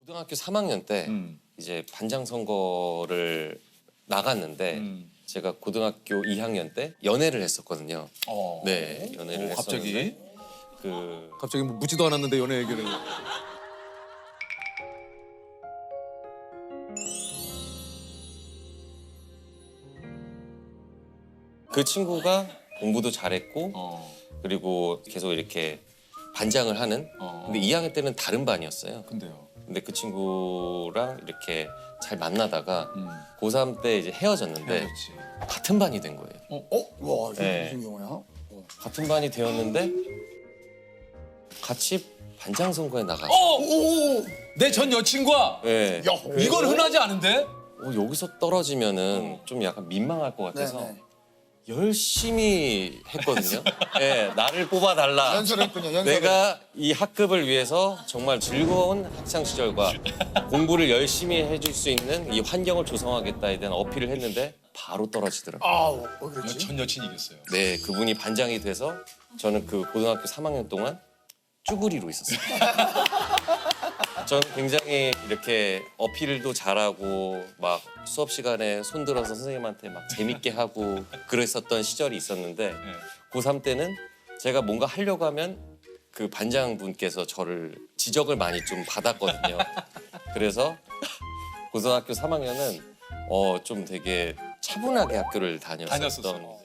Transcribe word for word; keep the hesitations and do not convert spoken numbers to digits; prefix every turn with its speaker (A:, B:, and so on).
A: 고등학교 삼 학년 때
B: 음.
A: 이제 반장 선거를 나갔는데
B: 음.
A: 제가 고등학교 이 학년 때 연애를 했었거든요.
B: 어.
A: 네, 연애를
B: 오, 갑자기?
A: 했었는데 그
C: 갑자기 뭐 묻지도 않았는데 연애 얘기를.
A: 그 친구가 공부도 잘했고
B: 어.
A: 그리고 계속 이렇게 반장을 하는.
B: 어.
A: 근데 이 학년 때는 다른 반이었어요.
B: 근데요.
A: 근데 그 친구랑 이렇게 잘 만나다가
B: 음.
A: 고삼 때 이제 헤어졌는데
B: 헤어졌지.
A: 같은 반이 된 거예요.
B: 어?
D: 어? 와, 이게
A: 네.
D: 무슨 경우야? 어.
A: 같은 반이 되었는데 같이 반장 선거에 나갔어요.
B: 어!
D: 오!
B: 내 전 여친과
A: 네.
D: 야,
B: 이건 흔하지 않은데?
A: 어, 여기서 떨어지면은 좀 약간 민망할 것 같아서
D: 네네.
A: 열심히 했거든요. 네, 나를 뽑아달라.
D: 연설했군요. 연설.
A: 내가 이 학급을 위해서 정말 즐거운 학창 시절과 공부를 열심히 해줄 수 있는 이 환경을 조성하겠다에 대한 어필을 했는데 바로 떨어지더라고요.
D: 아우, 왜 그랬지?
B: 전 여친이 이겼어요.
A: 네, 그분이 반장이 돼서 저는 그 고등학교 삼 학년 동안 쭈구리로 있었어요. 저는 굉장히 이렇게 어필도 잘하고 막 수업 시간에 손들어서 선생님한테 막 재밌게 하고 그랬었던 시절이 있었는데
B: 네.
A: 고삼 때는 제가 뭔가 하려고 하면 그 반장분께서 저를 지적을 많이 좀 받았거든요. 그래서 고등학교 삼 학년은 어 좀 되게 차분하게 학교를 다녔었던
B: 다녔었어.